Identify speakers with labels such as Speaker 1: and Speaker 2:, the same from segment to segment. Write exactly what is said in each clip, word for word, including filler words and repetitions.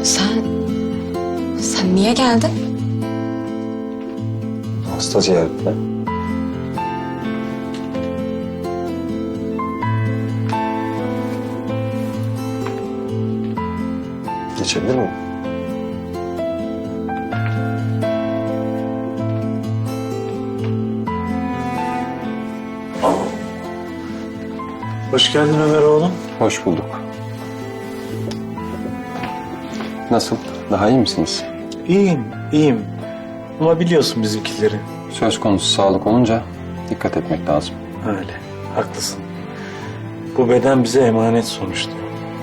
Speaker 1: Sen... Sen niye geldin?
Speaker 2: Hasta ziyaretine. Geçebilir miyim?
Speaker 3: Hoş geldin Ömer oğlum.
Speaker 2: Hoş bulduk. Nasıl? Daha iyi misiniz?
Speaker 3: İyiyim, iyiyim. Ama biliyorsun bizimkileri.
Speaker 2: Söz konusu sağlık olunca dikkat etmek lazım.
Speaker 3: Öyle, haklısın. Bu beden bize emanet sonuçta.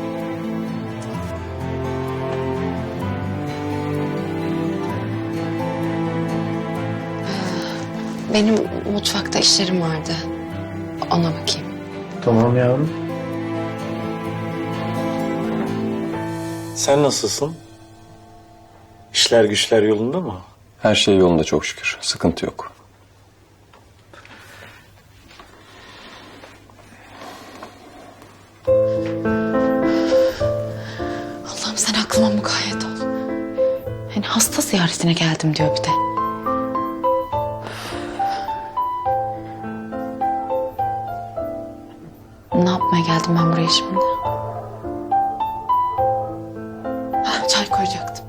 Speaker 1: Benim mutfakta işlerim vardı. Ona bakayım.
Speaker 3: Tamam yavrum. Sen nasılsın? İşler güçler yolunda mı?
Speaker 2: Her şey yolunda çok şükür. Sıkıntı yok.
Speaker 1: Allah'ım sen aklıma mukayyet ol. Hani hasta ziyaretine geldim diyor bir de. Ne yapmaya geldim ben buraya şimdi? Hah, çay koyacaktım.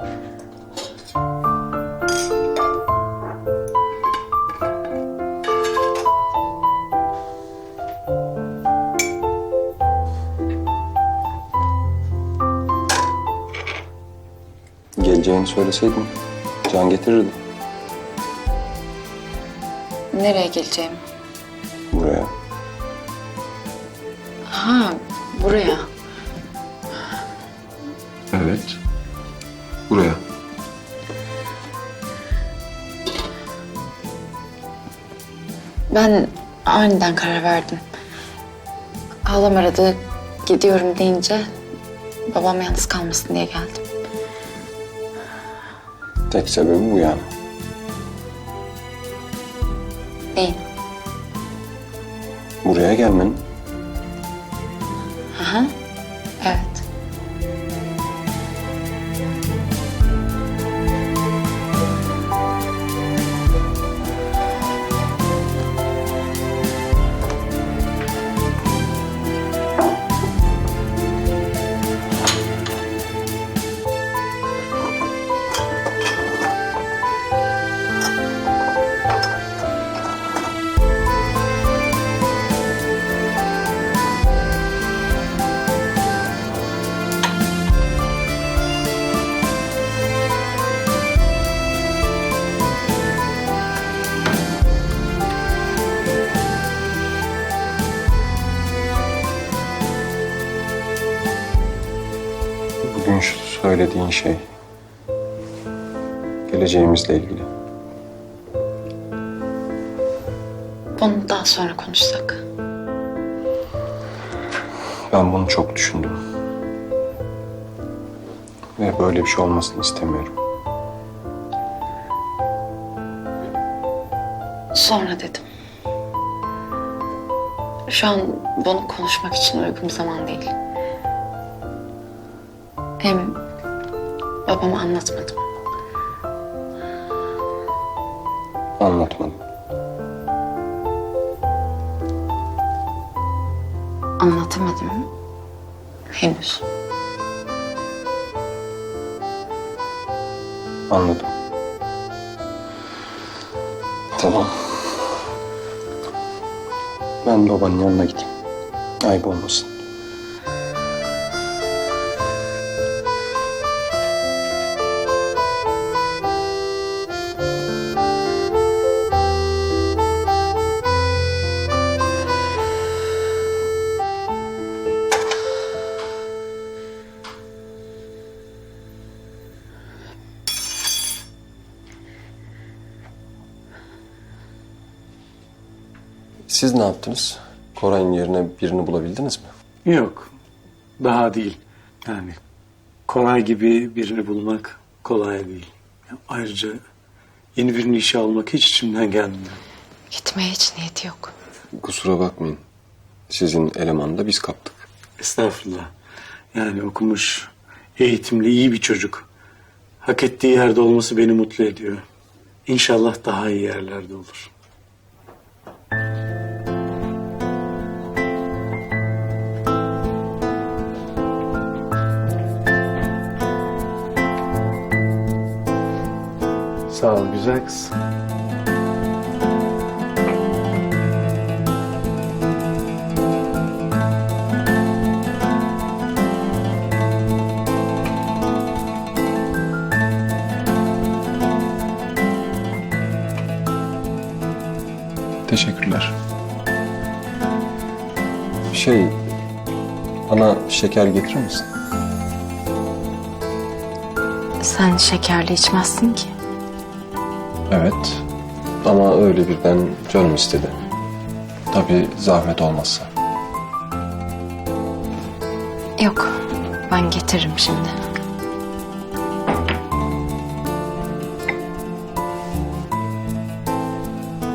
Speaker 2: Geleceğini söyleseydin Can getirirdi
Speaker 1: Nereye geleceğim?
Speaker 2: buraya.
Speaker 1: Ha, buraya.
Speaker 2: Evet. Buraya.
Speaker 1: Ben aniden karar verdim. Halam aradı, gidiyorum deyince babam yalnız kalmasın diye geldim.
Speaker 2: Tek sebebi bu yani.
Speaker 1: Neyin?
Speaker 2: Buraya gelmenin.
Speaker 1: Aha, evet.
Speaker 2: Bugün şu söylediğin şey geleceğimizle ilgili.
Speaker 1: Bunu daha sonra konuşsak.
Speaker 2: Ben bunu çok düşündüm. Ve böyle bir şey olmasını istemiyorum.
Speaker 1: Sonra dedim. Şu an bunu konuşmak için uygun bir zaman değil. Hem babama anlatmadım.
Speaker 2: Anlatmadım.
Speaker 1: Anlatamadım henüz.
Speaker 2: Anladım. Tamam. Ben babanın yanına gideyim. Ayıp olmasın. Siz ne yaptınız? Koray'ın yerine birini bulabildiniz mi?
Speaker 3: Yok, daha değil. Yani Koray gibi birini bulmak kolay değil. Ayrıca yeni birini işe almak hiç içimden gelmiyor.
Speaker 1: Gitmeye hiç niyeti yok.
Speaker 2: Kusura bakmayın. Sizin elemanı da biz kaptık.
Speaker 3: Estağfurullah. Yani okumuş, eğitimli, iyi bir çocuk. Hak ettiği yerde olması beni mutlu ediyor. İnşallah daha iyi yerlerde olur. Sağ ol güzel kız.
Speaker 2: Teşekkürler. Şey, bana şeker getirir misin?
Speaker 1: Sen şekerli içmezsin ki.
Speaker 2: Evet. Ama öyle birden canım istedi. Tabii zahmet olmazsa.
Speaker 1: Yok, ben getiririm şimdi.